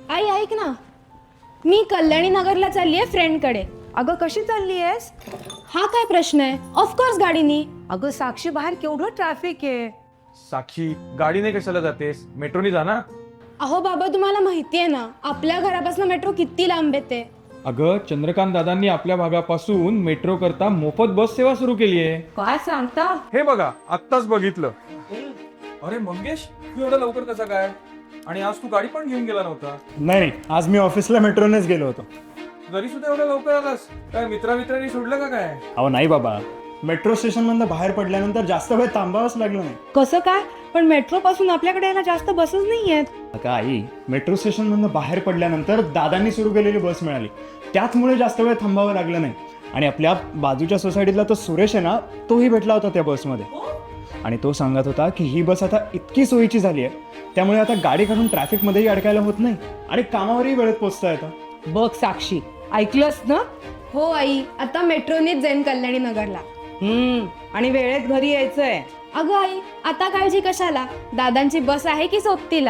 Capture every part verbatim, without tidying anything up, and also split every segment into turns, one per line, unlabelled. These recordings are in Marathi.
आई ऐक ना, मी कल्याणी नगरला चालली आहे फ्रेंडकडे.
अगं कशी चालली आहेस?
हा काय प्रश्न आहे? ऑफकोर्स गाडीनी.
अगं साक्षी, बाहेर केवढं ट्रॅफिक आहे.
साक्षी, गाडीने कशाला जातेस? मेट्रोनी जा ना.
अहो बाबा, तुम्हाला माहिती आहे ना आपल्या घरापासून मेट्रो किती लांब येते.
अगं, चंद्रकांत दादांनी आपल्या भागापासून मेट्रो करता मोफत बस सेवा सुरू केली आहे.
काय सांगता?
हे बघा, आत्ताच बघितलं. अरे मंगेश, तू एवढा लवकर कसा काय? आणि आज तू गाडी पण घेऊन गेला नव्हता.
नाही नाही, आज मी ऑफिसला मेट्रोनेच गेलो होतो.
जरी सुद्धा एवढा लवकर आलास, काय मित्रामित्रांनी सोडलं का काय?
अहो नाही बाबा, मेट्रो स्टेशन मधनं बाहेर पडल्यानंतर जास्त वेळ थांबावंच लागलं नाही.
कसं काय? पण मेट्रो पासून आपल्याकडे यायला जास्त बसच नाही आहेत.
अगं आई, मेट्रो स्टेशन मधनं बाहेर पडल्यानंतर दादांनी सुरू केलेली बस मिळाली, त्याचमुळे जास्त वेळ थांबावं लागलं नाही. आणि आपल्या बाजूच्या सोसायटीतला तो सुरेश आहे ना, तोही भेटला होता त्या बसमध्ये. आणि तो सांगत होता की ही बस आता इतकी सोयीची झाली आहे, त्यामुळे आता गाडी काढून ट्रॅफिकमध्येही अडकायला होत नाही आणि कामावरही वेळेत पोहोचता येतं.
बघ साक्षी, ऐकलंस ना?
हो आई, आता मेट्रोनीच जाईन कल्याणी नगरला.
हम्म, आणि वेळेत घरी यायचंय.
अगं आई, आता काळजी कशाला? दादांची बस आहे की सोबतीला?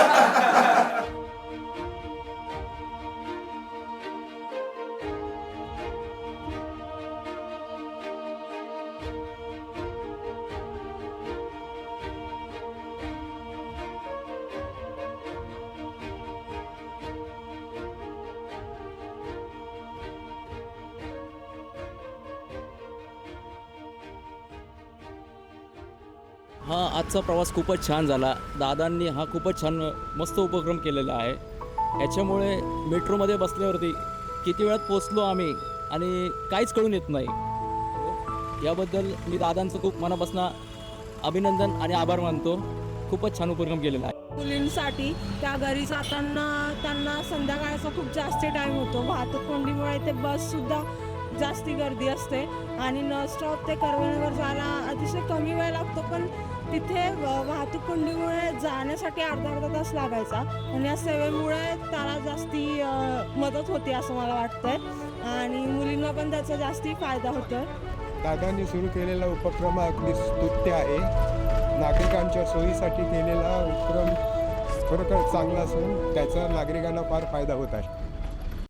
हा आजचा प्रवास खूपच छान झाला. दादांनी हा खूपच छान मस्त उपक्रम केलेला आहे. याच्यामुळे मेट्रोमध्ये बसल्यावरती किती वेळात पोचलो आम्ही आणि काहीच कळून येत नाही. याबद्दल मी दादांचं खूप मनापासून अभिनंदन आणि आभार मानतो. खूपच छान उपक्रम केलेला आहे.
मुलींसाठी त्या घरी जाताना त्यांना संध्याकाळचा खूप जास्त टाईम होतो. वाहतूक कोंडीमुळे ते बससुद्धा जास्ती गर्दी असते आणि न स्टॉप ते करवणीवर जायला अतिशय कमी वेळ लागतो, पण तिथे वाहतूक कोंडीमुळे जाण्यासाठी अर्धा अर्धा तास लागायचा. आणि या सेवेमुळे त्याला जास्ती मदत होते असं मला वाटतंय आणि मुलींना पण त्याचा जास्ती फायदा होतोय.
दादांनी सुरू केलेला उपक्रम अगदी स्तुत्य आहे. नागरिकांच्या सोयीसाठी केलेला उपक्रम खरोखर चांगला असून त्याचा नागरिकांना फार फायदा होत आहे.